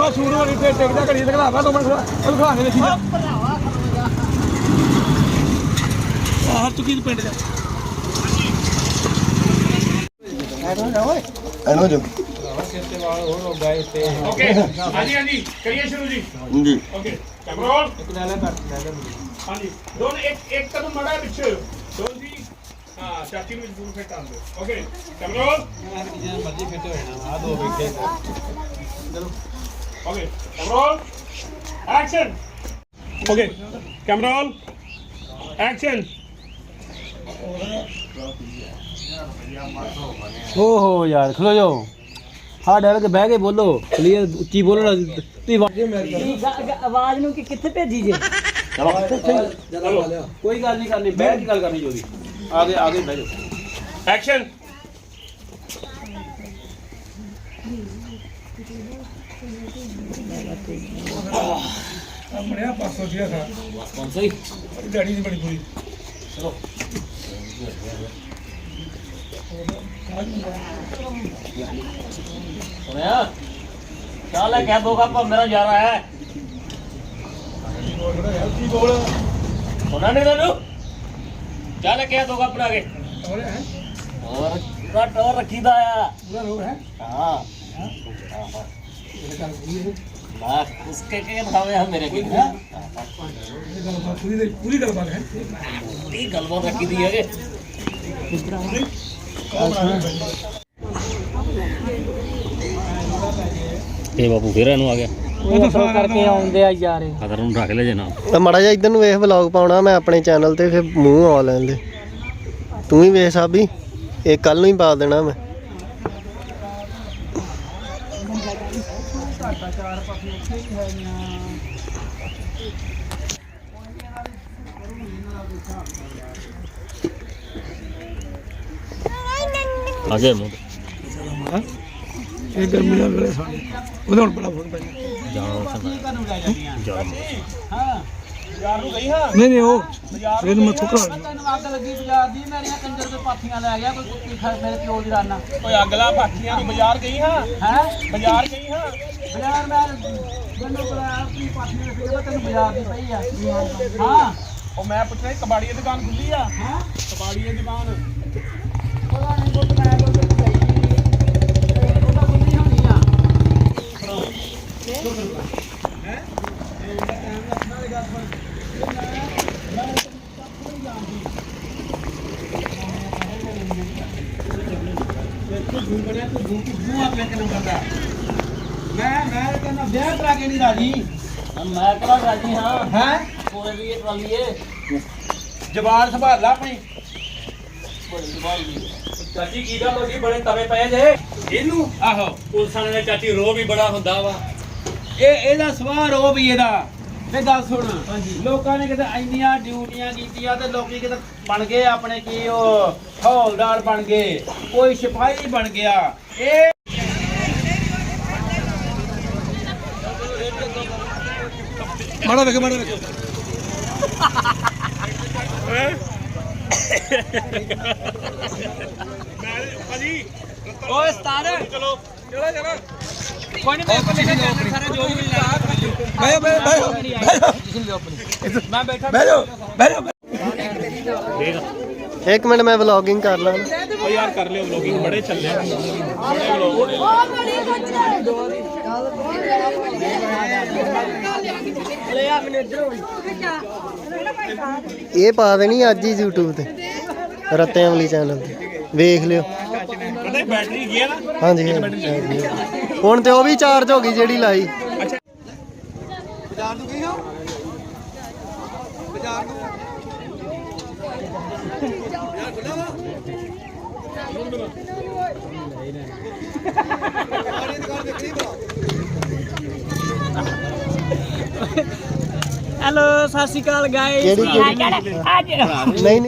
suit वाली टेकदा घड़ी दिखलावा 2 minute दिखा के देखी बाहर चुकी पिंड च एनो जो ओके हां जी करिए शुरू जी ओके कैमरा रोल हां जी दोनों एक कदम मड़ा पीछे दोनों जी हां चाची ਨੂੰ ਜ਼ਰੂਰ ਫਿੱਟ ਆਉਂਦੇ ओके कैमरा रोल मर्जी फिट हो जाना आ दो बैठे चलो okay camera roll action okay camera roll action ओहो यार खलो जाओ हाँ डर के बह के बोलो क्लियर उच्ची बोलो ना आवाज नु कि किथे भेजी जे चलो कोई गल नहीं करनी बैठ के गल करनी जो भी आगे आगे बैठ जाओ एक्शन अपने आप पास सोचिया था कौन सही गाड़ी से बड़ी पूरी चलो सुनिया चल कह दो कप मेरा जा रहा है सुना नहीं तेनू चल कह दो कप बना के और पूरा टोर रखी दा पूरा रोग है हाँ लाख उसके बतावे हम मेरे को पूरी गलबात है पूरी गलबात रखी दी है ये बाबू फिर ਇਹਨੂੰ ਆ ਗਿਆ ਉਹ ਫੋਨ ਕਰਕੇ ਆਉਂਦੇ ਆ ਯਾਰ ਖਤਰ ਨੂੰ ਰੱਖ ਲੈ ਜੇ ਨਾ ਮਾੜਾ ਜਿਹਾ ਇਧਰ ਨੂੰ ਵੇਖ ਵਲੌਗ ਪਾਉਣਾ ਮੈਂ ਆਪਣੇ ਚੈਨਲ ਤੇ ਫਿਰ ਮੂੰਹ ਆ ਲੈਂਦੇ ਤੂੰ ਵੀ ਵੇਖ ਸਾਬੀ ਇਹ ਕੱਲ ਨੂੰ ਹੀ ਪਾ ਦੇਣਾ ਮੈਂ ਆ ਗਿਆ ਮੂੰਹ ਇਹ ਗਰਮੀ ਦਾ ਵੇਲੇ ਸਾਡੀ ਉਹਦੇ ਹੁਣ ਬੜਾ ਫੋਨ ਪੈ ਜਾਣਾ ਯਾਰ ਨੂੰ ਗਈ ਹਾਂ ਨਹੀਂ ਉਹ ਇਹਨੂੰ ਮੈਂ ਥੁਕਰਾ ਤੈਨੂੰ ਅੱਗ ਲੱਗੀ ਬਾਜ਼ਾਰ ਦੀ ਮੇਰੀਆਂ ਕੰਜਰ ਦੇ ਪਾਥੀਆਂ ਲੈ ਗਿਆ ਕੋਈ ਕੁੱਤੀ ਖਾ ਮੇਰੇ ਪਿਓ ਦੀ ਰਾਨਾ ਓਏ ਅਗਲਾ ਪਾਥੀਆਂ ਨੂੰ ਬਾਜ਼ਾਰ ਗਈ ਹਾਂ ਹੈ ਬਾਜ਼ਾਰ ਗਈ ਹਾਂ ਬਾਜ਼ਾਰ ਮੈਂ ਮੈਨੂੰ ਬੜਾ ਆਪਣੀ ਪਾਥੀਆਂ ਦੇ ਫਿਰ ਤੈਨੂੰ ਬਾਜ਼ਾਰ ਦੀ ਪਈ ਆ ਹਾਂ ਉਹ ਮੈਂ ਪੁੱਛਿਆ ਕਬਾੜੀ ਦੀ ਦੁਕਾਨ ਖੁੱਲੀ ਆ ਹੈ ਕਬਾੜੀ ਦੀ ਦੁਕਾਨ ਪਤਾ ਨਹੀਂ ਕੋਈ ਮੈਂ ਕੋਈ ਗਈ ਉਹਦਾ ਗੁੰਨੀ ਹੋਣੀ ਆ मैं कहना ब्याह करा के नहीं राजी ਮੈਂ ਕਰਾ ਰਾਜੀ ਹਾਂ है ਕੋਲੇ ਵੀ ਇਹ ਟਰਾਲੀ ਏ ਜਵਾਨ ਸੰਭਾਲ ਲਾ ਆਪਣੀ ਚਾਚੀ ਕੀ ਗੱਲ ਹੋ ਗਈ ਬੜੇ ਤਵੇ ਪਏ ਜੇ ਇਹਨੂੰ ਆਹੋ ਪੁਲਿਸ ਵਾਲੇ ਦਾ ਚਾਚੀ ਰੋ ਵੀ ਬੜਾ ਹੁੰਦਾ ਵਾ ਇਹਦਾ ਸਵਾਰ ਹੋ ਵੀ ਇਹਦਾ ਤੇ ਗੱਲ ਸੁਣ ਲੋਕਾਂ ਨੇ ਕਿਤੇ ਇੰਨੀਆਂ ਡਿਊਟੀਆਂ ਕੀਤੀਆਂ ਤੇ ਲੋਕੀ ਕਿਤੇ ਬਣ ਗਏ ਆਪਣੇ ਕੀ ਉਹ ਹੌਲਦਾਰ ਬਣ ਗਏ ਕੋਈ ਸਿਪਾਹੀ ਬਣ ਗਿਆ ਇਹ ਮਾੜਾ ਵੇਖ ਮਾੜਾ ਵੇਖ ਭਾਜੀ ਓਏ ਸਤਾਰ ਚਲੋ ਚਲੋ ਚਲੋ ਕੋਈ ਨਹੀਂ ਮੇਰੇ ਕੋਲ ਲਿਖੇ ਚੈਨਲ ਸਾਰੇ ਜੋ ਵੀ ਲਾ ਮੈਂ ਬੈਠਾ ਬਹਿ ਜਾਓ ਇੱਕ ਮਿੰਟ ਮੈਂ ਵਲੌਗਿੰਗ ਕਰ ਲਾਂ ਓ ਯਾਰ ਕਰ ਲਿਓ ਵਲੋਗਿੰਗ ਬੜੇ ਚੱਲੇ ਬੜੇ ਵਲੋਗ ਇਹ ਪਾ ਦੇਣੀ ਅੱਜ ਹੀ YouTube ਤੇ ਰਤੇ ਅਮਲੀ ਚੈਨਲ ਤੇ ਵੇਖ ਲਿਓ ਪਤਾ ਬੈਟਰੀ ਗਿਆ ਨਾ ਹਾਂਜੀ ਹੁਣ ਤੇ ਉਹ ਵੀ ਚਾਰਜ ਹੋ ਗਈ ਜਿਹੜੀ ਲਾਈ ਬਾਜ਼ਾਰ ਨੂੰ ਗਈ ਹੋ ਬਾਜ਼ਾਰ ਨੂੰ ਯਾਰ ਖੁੱਲਾ ਵਾ ਹੈਲੋ ਸਤਿ ਸ਼੍ਰੀ ਅਕਾਲ ਗਾਇਸ ਕਿਹੜੀ ਨਹੀਂ